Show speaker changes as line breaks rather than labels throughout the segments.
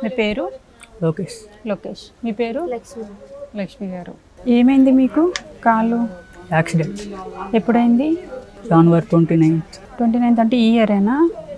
మీ పేరు?
లోకేష్.
లోకేష్. మీ పేరు?
లక్ష్మి.
లక్ష్మి గారు. ఏమైంది మీకు కాలు?
యాక్సిడెంట్.
ఎప్పుడైంది?
జనవరి 29th.
29th అంటే ఈ ఇయరేనా?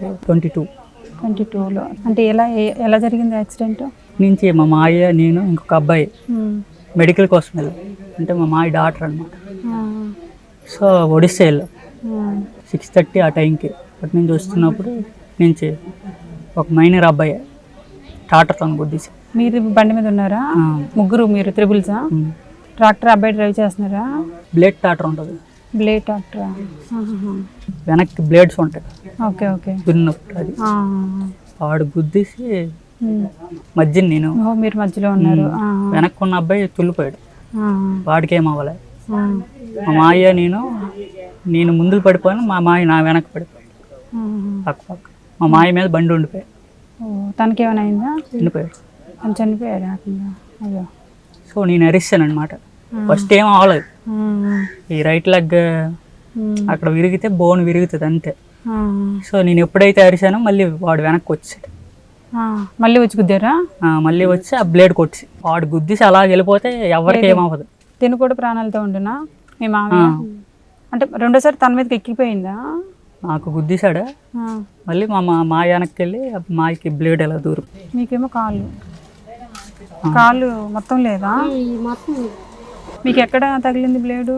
22లో.
అంటే ఎలా జరిగింది యాక్సిడెంట్?
నుంచి మా మాయ, నేను, ఇంకొక అబ్బాయి మెడికల్ కోసం వెళ్ళాం. అంటే మా మాయ డాక్టర్ అనమాట. సో ఒడిస్సా వెళ్ళాం 6:30 ఆ టైంకి. అటు నుంచి వస్తున్నప్పుడు నుంచి ఒక మైనర్ అబ్బాయి టాటర్తో గుద్దేసి.
మీరు బండి మీద ఉన్నారా? ముగ్గురు మీరు త్రిబుల్సా? ట్రాక్టర్ అబ్బాయి డ్రైవ్ చేస్తున్నారా?
బ్లేడ్ టాటర్ ఉంటుంది.
బ్లేడ్ ట్రాక్టరా?
వెనక్కి బ్లేడ్స్ ఉంటాయి.
Okay okay.
దున్నప్పుడు అది వాడు గుద్దేసి మధ్య నేను.
మీరు మధ్యలో ఉన్నారు.
వెనక్కి ఉన్న అబ్బాయి తుల్లిపోయాడు. వాడికి ఏం అవ్వలే. మా మాయ నేను ముందుకు పడిపోయాను, మా మాయ నా వెనక్కి పడిపోయాడు పక్క. మా మాయ మీద బండి ఉండిపోయాడు.
తనకి ఏమైనా అయిందా?
చనిపోయాడు.
చనిపోయాడు. అయ్యో.
సో నేను అరిస్తాను అనమాట. ఫస్ట్ ఏం అవ్వలేదు. ఈ రైట్ లెగ్ అక్కడ విరిగితే బోన్ విరుగుతుంది అంతే. సో నేను ఎప్పుడైతే అరిసానో మళ్ళీ వాడు వెనక్కి వచ్చాడు.
మళ్ళీ వచ్చి గుద్దారా?
మళ్ళీ వచ్చి ఆ బ్లేడ్ కొట్టి వాడు గుద్దేసి అలా వెళ్ళిపోతే ఎవరికి ఏమవ్వదు.
తిను కూడా ప్రాణాలతో ఉండునా మీ మామయ్య? అంటే రెండోసారి తన మీదకి ఎక్కిపోయిందా?
నాకు గుద్దేశాడు. మళ్ళీ మా మాయ వెనక్కి వెళ్ళి మాయకి బ్లేడ్ ఎలా దూరం.
మీకేమో కాళ్ళు మొత్తం లేదా? మీకు ఎక్కడ తగిలింది బ్లేడు?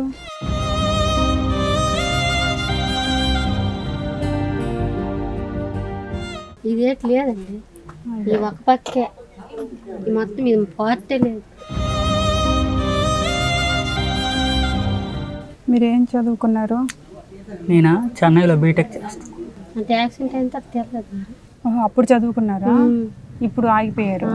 ఇదేట్ లేదండి, ఈ ఒక పక్కే, ఈ మొత్తం ఇది పార్టే లేదు.
మీరేం చదువుకున్నారు?
నేను చెన్నైలో బీటెక్ చేస్తాను.
అంటే యాక్సిడెంట్ అయిన తర్వాత తెలియదు.
అప్పుడు చదువుకున్నారా? ఇప్పుడు ఆగిపోయారు.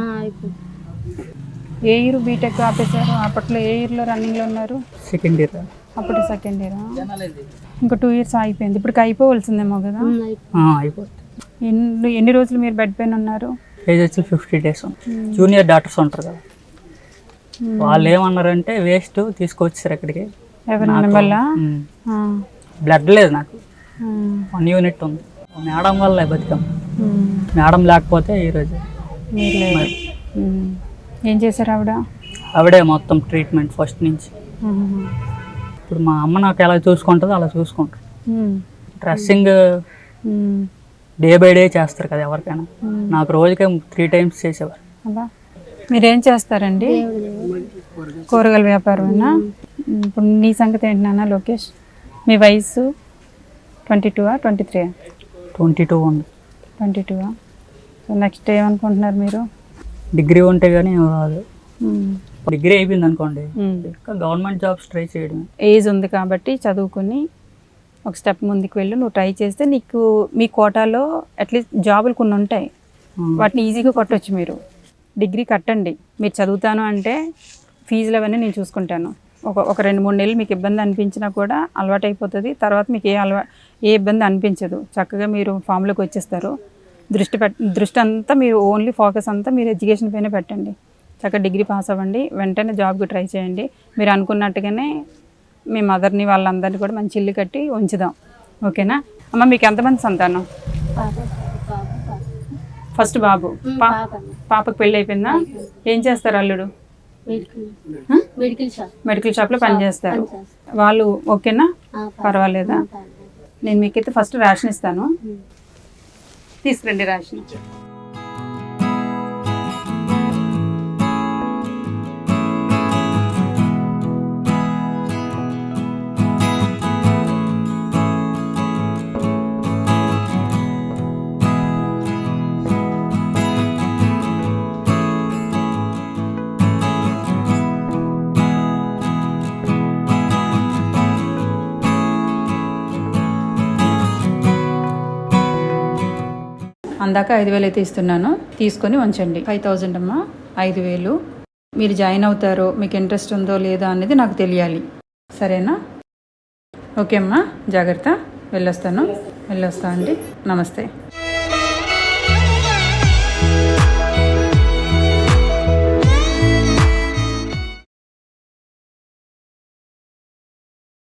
ఏ ఇయర్ బీటెక్ ఆపేశారు? అప్పట్లో ఏ ఇయర్లో రన్నింగ్లో ఉన్నారు?
Second year.
అప్పుడు సెకండ్ ఇయరా? ఇంకా 2 years ఆగిపోయింది. ఇప్పటికి అయిపోవలసిందేమో కదా?
అయిపోతుంది.
ఎన్ని రోజులు మీరు బెడ్ పైన ఉన్నారు?
ఏజ్ వచ్చి 50 days. జూనియర్ డాక్టర్స్ ఉంటారు కదా, వాళ్ళు ఏమన్నారంటే వేస్ట్ తీసుకొచ్చారు ఇక్కడికి.
ఎవరి వల్ల?
బ్లడ్ లేదు నాకు, 1 unit ఉంది. మేడం వల్ల బతికాం. మేడం లేకపోతే ఈరోజు.
ఏం చేశారు
ఆవిడే మొత్తం ట్రీట్మెంట్ ఫస్ట్ నుంచి. ఇప్పుడు మా అమ్మ నాకు ఎలా చూసుకుంటుందో అలా చూసుకుంటారు. డ్రెస్సింగ్ డే బై డే చేస్తారు కదా ఎవరికైనా. నాకు రోజుకే 3 times చేసేవారు.
మీరేం చేస్తారండి? కూరగాయల వ్యాపారమేనా? ఇప్పుడు నీ సంగతి ఏంటి నాన్న లోకేష్? మీ వయసు 22 23?
22 ఉంది.
22. సో నెక్స్ట్ ఏమనుకుంటున్నారు మీరు?
డిగ్రీ ఉంటే కానీ రాదు. డిగ్రీ అయిపోయింది అనుకోండి, ఇంకా గవర్నమెంట్ జాబ్స్ ట్రై చేయడం.
ఏజ్ ఉంది కాబట్టి చదువుకుని ఒక స్టెప్ ముందుకు వెళ్ళి నువ్వు ట్రై చేస్తే నీకు మీ కోటాలో అట్లీస్ట్ జాబులు కొన్ని ఉంటాయి, వాటిని ఈజీగా కొట్టవచ్చు. మీరు డిగ్రీ కట్టండి. మీరు చదువుతాను అంటే ఫీజులు అవన్నీ నేను చూసుకుంటాను. ఒక 2-3 నెలలు మీకు ఇబ్బంది అనిపించినా కూడా అలవాటు అయిపోతుంది. తర్వాత మీకు ఏ ఇబ్బంది అనిపించదు. చక్కగా మీరు ఫామ్లోకి వచ్చేస్తారు. దృష్టి అంతా మీరు ఓన్లీ ఫోకస్ అంతా మీరు ఎడ్యుకేషన్ పైన పెట్టండి. చక్కగా డిగ్రీ పాస్ అవ్వండి, వెంటనే జాబ్కి ట్రై చేయండి. మీరు అనుకున్నట్టుగానే మీ మదర్ని వాళ్ళందరినీ కూడా మంచి ఇల్లు కట్టి ఉంచుదాం. ఓకేనా అమ్మ? మీకు ఎంతమంది సంతానం? ఫస్ట్ బాబు. పాపకు పెళ్ళి అయిపోయిందా? ఏం చేస్తారు అల్లుడు? మెడికల్ షాప్లో పనిచేస్తారు. వాళ్ళు ఓకేనా? పర్వాలేదా? నేను మీకైతే ఫస్ట్ రేషన్ ఇస్తాను, తీసుకురండి రేషన్. అందాక 5,000 అయితే ఇస్తున్నాను, తీసుకొని ఉంచండి. 5,000 అమ్మా. 5,000 మీరు జాయిన్ అవుతారో, మీకు ఇంట్రెస్ట్ ఉందో లేదో అనేది నాకు తెలియాలి. సరేనా? ఓకే అమ్మా, జాగ్రత్త. వెళ్ళొస్తా అండి. నమస్తే.